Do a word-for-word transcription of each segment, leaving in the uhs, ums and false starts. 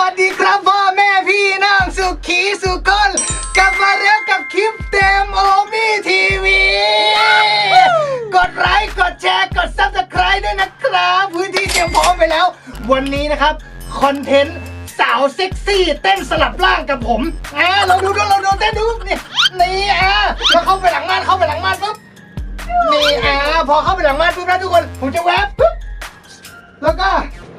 วัสดีครับพ่อแม่พี่น้องสุขีสุกลกลับมาแล้วกับคลิปเต็มโอมี่ทีวีกดไลค์กดแชร์กดซับสไครต์ด้วยนะครับพื้นที่เตรียมพร้อมไปแล้ววันนี้นะครับคอนเทนต์สาวเซ็กซี่เต้นสลับร่างกับผมอ่าเราดูดูเราดูเต้นดูนี่นี่อ่าเราเข้าไปหลังม่านเข้าไปหลังม่านปุ๊บนี่อ่าพอเข้าไปหลังม่านปุ๊บนะทุกคนผมจะแวบปุ๊บแล้วก็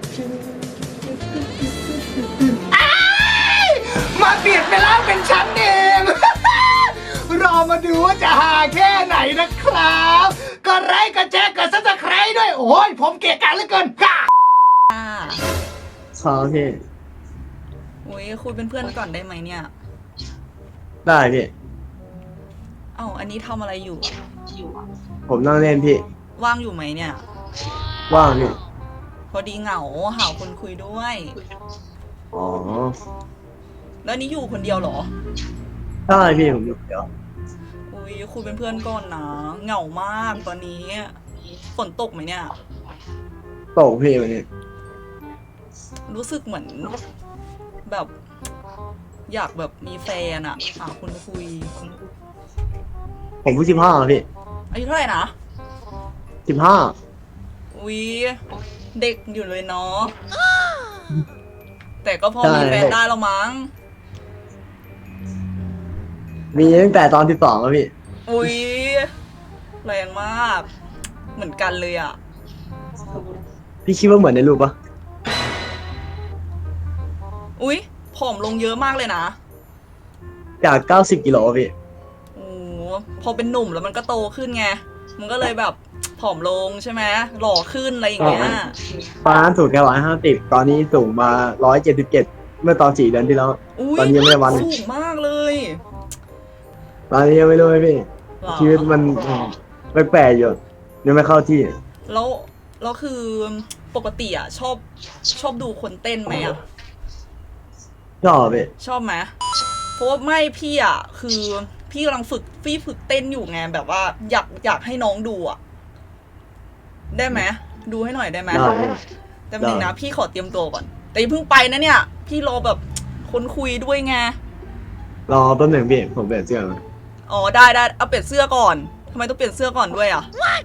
มาเปลี่ยนไปแล้วเป็นฉันเอง รอมาดูว่าจะหาแค่ไหนนะครับก็ไลค์ก็แชร์ก็ซับสไครต์ด้วยโอ้ยผมเกลียดกันเหลือเกินค่ะขอพี่อุ้ยคุยเป็นเพื่อนก่อนได้ไหมเนี่ยได้พี่เอ้าอันนี้ทำอะไรอยู่ผมนั่งเล่นพี่ว่างอยู่ไหมเนี่ยว่างพี่พอดีเหงาหาคนคุยด้วยอ๋อแล้วนี้อยู่คนเดียวเหรอได้พี่ผมอยู่เดี๋ยวอุ้ยคุยเป็นเพื่อนก่อนนะเหงามากตอนนี้ฝนตกไหมเนี่ยตกพี่วันนี้รู้สึกเหมือนแบบ อยากแบบมีแฟนอะหาคนคุยผมเพิ่งสิบห้าพี่อายุเท่าไหร่นะสิบห้าอุ้ยเด็กอยู่เลยเนาะแต่ก็พอมีแฟนได้แล้วมั้งมีตั้งแต่ตอนสิบสองแล้วพี่อุ้ยแรงมาก เหมือนกันเลยอะพี่คิดว่าเหมือนในรูปปะอุ้ยผอมลงเยอะมากเลยนะจากเก้าสิบกิโลพี่โอ้พอเป็นหนุ่มแล้วมันก็โตขึ้นไง มันก็เลยแบบผอมลงใช่ไหมหล่อขึ้นอะไรอย่างเงี้ยตอนนั้นสูงแค่ร้อยห้าสิบตอนนี้สูงมาร้อยเจ็ดสิบเจ็ดเมื่อตอนสี่เดือนที่แล้วอุ้ยตอนนี้ยังไม่ได้วันสูงมากเลยตอนนี้ยังไม่รู้เลยพี่หรอชีวิตมันแปลกๆอยู่ยังไม่เข้าที่แล้วแล้วคือปกติอ่ะชอบชอบดูคนเต้นไหมอ่ะชอบพี่ชอบไหมเพราะว่าไม่พี่อ่ะคือพี่กำลังฝึกพี่ฝึกเต้นอยู่ไงแบบว่าอยากอยากให้น้องดูอ่ะ ได้ไหมดูให้หน่อยได้ไหมได้พี่แต่หนึ่งนะพี่ขอเตรียมตัวก่อน แต่อย่าเพิ่งไปนะเนี่ย พี่รอแบบคนคุยด้วยไงรอแป๊บหนึ่งพี่ผมเปลี่ยนเสื้อมาอ๋อได้ได้เอาเปลี่ยนเสื้อก่อนทำไมต้องเปลี่ยนเสื้อก่อนด้วยอ่ะ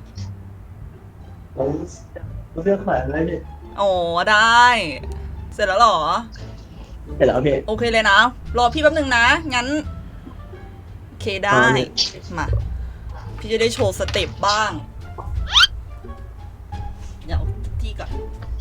ผมเสื้อแขวนอะไรพี่อ๋อได้ เสร็จแล้วเหรอเสร็จแล้วพี่โอเคเลยนะ รอพี่แป๊บนึงนะ งั้นโอเคได้ มา พี่จะได้โชว์สเต็ปบ้าง เดี๋ยวที่ก่อน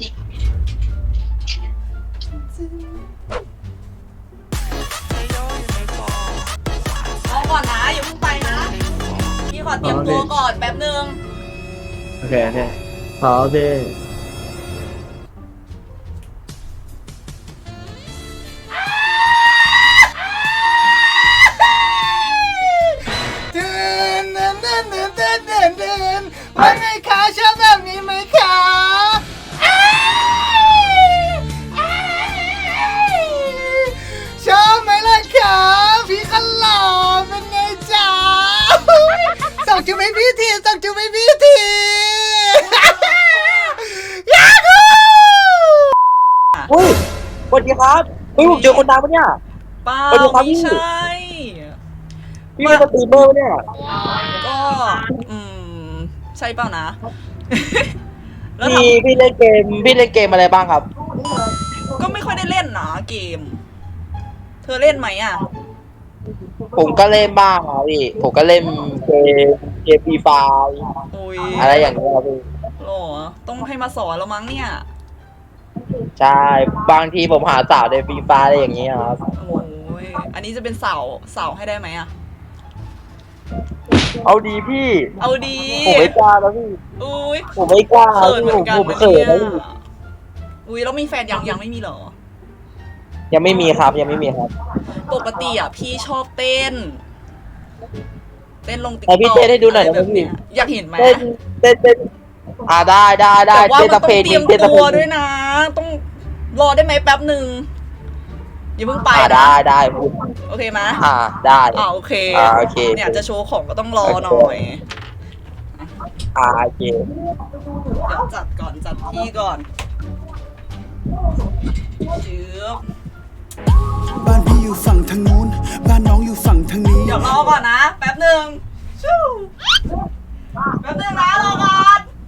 รอก่อนนะอย่าเพิ่งไปนะ พี่ขอเตรียมตัวก่อนแป๊บนึงโอเคโอเคขอพี่เดินเดินเดินเดินเดินเดินเดินว่าไงคะชอบแบบนี้ไหมคะอ้ายอ้ายชอบไหมล่ะคะพี่ขลอเป็นไงจ๊ะส่งจูบให้พี่ทีส่งจูบให้พี่ที ยาฮูเฮ้ยสวัสดีครับเฮ้ยผมเจอคนดังปะเนี่ยเปล่าไปดูครับไม่พี่ใช่พี่เป็นสตรีมเมอร์ปะเนี่ยก็ อืม ใช่เปล่านะ แล้วทพี่พี่เล่นเกมพี่เล่นเกมอะไรบ้างครับำก็ไม่ค่อยได้เล่นนะเกม เธอเล่นไหมอ่ะผมก็เล่นบ้างครับพี่ผมก็เล่นเกมเกมฟรีไฟอุ้ยอะไรอย่างเงี้ยครับพี่หรอ ต้องให้มาสอนแล้วมั้งเนี่ยใช่บางทีผมหาสาวในฟรีไฟอะไรอย่างเงี้ยครับโอ้ย อันนี้จะเป็นเสาเสาให้ได้ไหมอ่ะเอาดีพี่เอาดีผมไม่กล้าแล้วพี่อุ้ยผมไม่กล้าเขินเหมืผอมนกันผมนะเขินเนี่นะยพี่อุ้ยแล้วมีแฟนยังยังไม่มีเหรอยังไม่มีครับยังไม่มีครับปกติอ่ะพี่ชอบเต้น เต้นลงติ๊กแต่พี่ต็อกเต้นให้ดูหน่อยะไรได้ไหมแบบพี่เนี้ยอยากเห็นไหมเต้นเต้นเต้นอ่าได้ได้ได้แต่ว่าเต้นมันสต้องเพลงเตรียมเต้นสตัเพลวงด้วยนะ ต้องรอได้ไหมแป๊บหนึ่งอย่าเพิ่งไปอ่านะได้ได้พี่โอเคไหมอ่าได้อ่าโอเคอ่าโอเคเนี่ยจะโชว์ของก็ต้องรอหน่อยอ่าโอเคเดี๋ยวจัดก่อนจัดที่ก่อนจืบพี่อยู่ฝั่งทางนู้นบ้านน้องอยู่ฝั่งทางนี้เดี๋ยวรอก่อนนะ แป๊บหนึ่งชู่แป๊บหนึ่งนะรอก่อน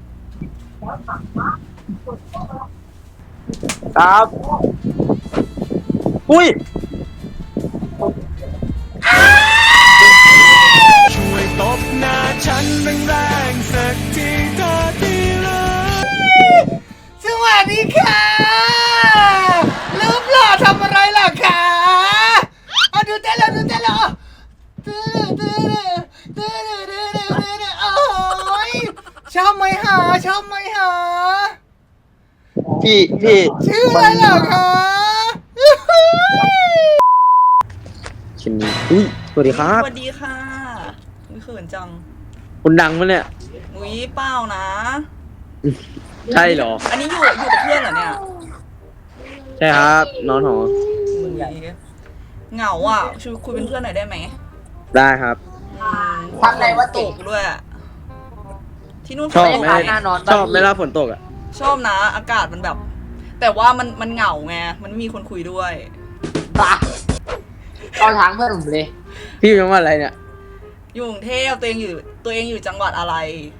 ครับอุ้ยช่วยตบหน้าฉันแรงๆสักทีเธอที่รักสวัสดีค่ะรูปหล่อทำอะไรล่ะคะเอาดูเต้นแล้วดูเต้นแล้วตื้อตื้อตื้อตื้อตื้อตื้อตื้อโอ้ยชอบไหมหาชอบไหมหาพี่พี่ชื่ออะไรเหรอคะชิ้นนี้อุ้ยสวัสดีครับสวัสดีค่ะอุ้ยเขินจังคุณดังปะเนี่ยอุ้ยเปล่านะใช่เหรออันนี้อยู่อยู่กับเพื่อนเหรอเนี่ยใช่ครับนอนหออุ๊ยเหงาอ่ะชวนคุยเป็นเพื่อนหน่อยได้ไหมได้ครับทำอะไรวะตติกด้วย ที่นู่นฝชอบนตกไหมไหมหน้านอนชอบไหมล่ะฝนตกอ่ะชอบนะ อากาศมันแบบ แต่ว่ามันมันเหงาไง มันไม่มีคนคุยด้วยปะตอนทางเพื่อนผมเลยพี่อยู่จังหวัดอะไรเนี่ยอยู่กรุงเทพตัวเองอยู่ตัวเองอยู่จังหวัดอะไร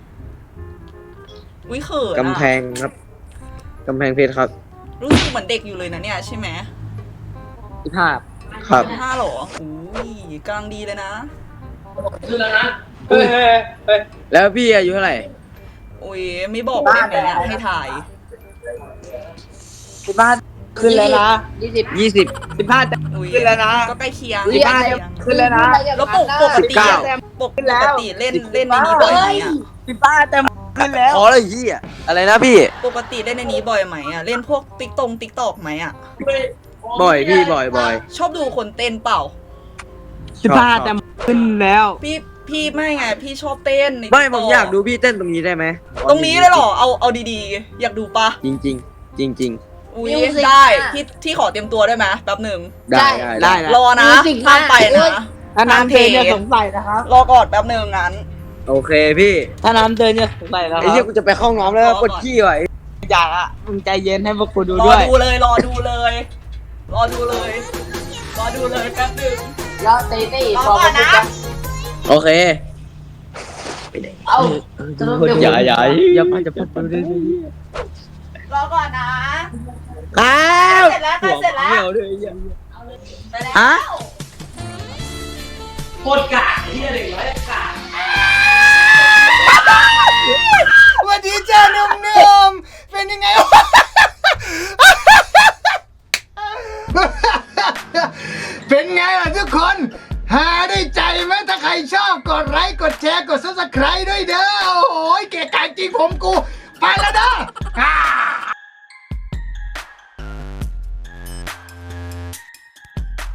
อุ้ยเขินอะกำแพงครับกำแพงเพชรครับรู้สึกเหมือนเด็กอยู่เลยนะเนี่ยใช่ไหมสิบห้าครับห้าหรออุ้ยกำลังดีเลยนะเฮ้ยเฮ้ยเฮ้ยแล้วพี่อายุเท่าไหร่อุ้ยไม่บอกได้ไหมเนี่ยให้ถ่ายสิบห้าขึ้นแล้วนะยี่สิบยี่สิบสิบห้าอุ้ยขึ้นแล้วนะก็ใกล้เคียงสิบห้าใกล้เคียงขึ้นแล้วนะแล้วปกปกติอะปกปกติเล่นเล่นในนี้บ่อยไหมอะสิบห้าแต่ขึ้นแล้วอ๋อเลยพี่อ่ะอะไรนะพี่ปกติเล่นในนี้บ่อยไหมอะเล่นพวกติ๊กตงติ๊กตอกไหมอะบ่อยพี่บ่อยบ่อยชอบดูคนเต้นเปล่าสิบห้าแต่ขึ้นแล้วพี่พี่ไม่ไงพี่ชอบเต้นในไม่ TikTok ผมอยากดูพี่เต้นตรงนี้ได้ไหมตรงนี้เลยเหรอเอาเอาดีๆ อยากดูปะจริงจริงจริงจริงอุ้ย Music ได้อะที่ที่ขอเตรียมตัวได้ไหมแป๊บหนึ่งๆได้ได้ได้รอนะ Music ห้ามไปมากนะถ้าน้ำเดินจะสงสัยนะครับรอก่อนแป๊บหนึ่งงั้นโอเคพี่ถ้าน้ำเดินจะสงสัยนะคไอ้รัเหี้ยบกูจะไปเข้าห้องน้ำแล้วรอก่อนปวดขี้ว่ะอยากอ่ะมึงใจเย็นให้พวกกูดูรอด้วยดูเลยรอดูเลย รอดูเลย รอดูเลยแป๊บหนึ่งแล้วตีตีรอก่อนนะโอเคเอ้าอย่าอย่าอย่ามาจะพูดไปเรื่อยรอก่อนนะๆครับเสร็จแล้วใกล้เสร็จแล้วเหี่ยวเลยอย่าไปแล้วฮะโคตรกากที่เด็กน้อยกากสวัสดีจ้าหนุ่มๆเป็นยังไงวะ เป็นไงล่ะทุกคน หาได้ใจไหมถ้าใครชอบกดไลค์กดแชร์กด ซับสไครบ์ ด้วยเด้อ โอ้โหเก๋ไก่จริงผมกู ไปแล้วเด้อ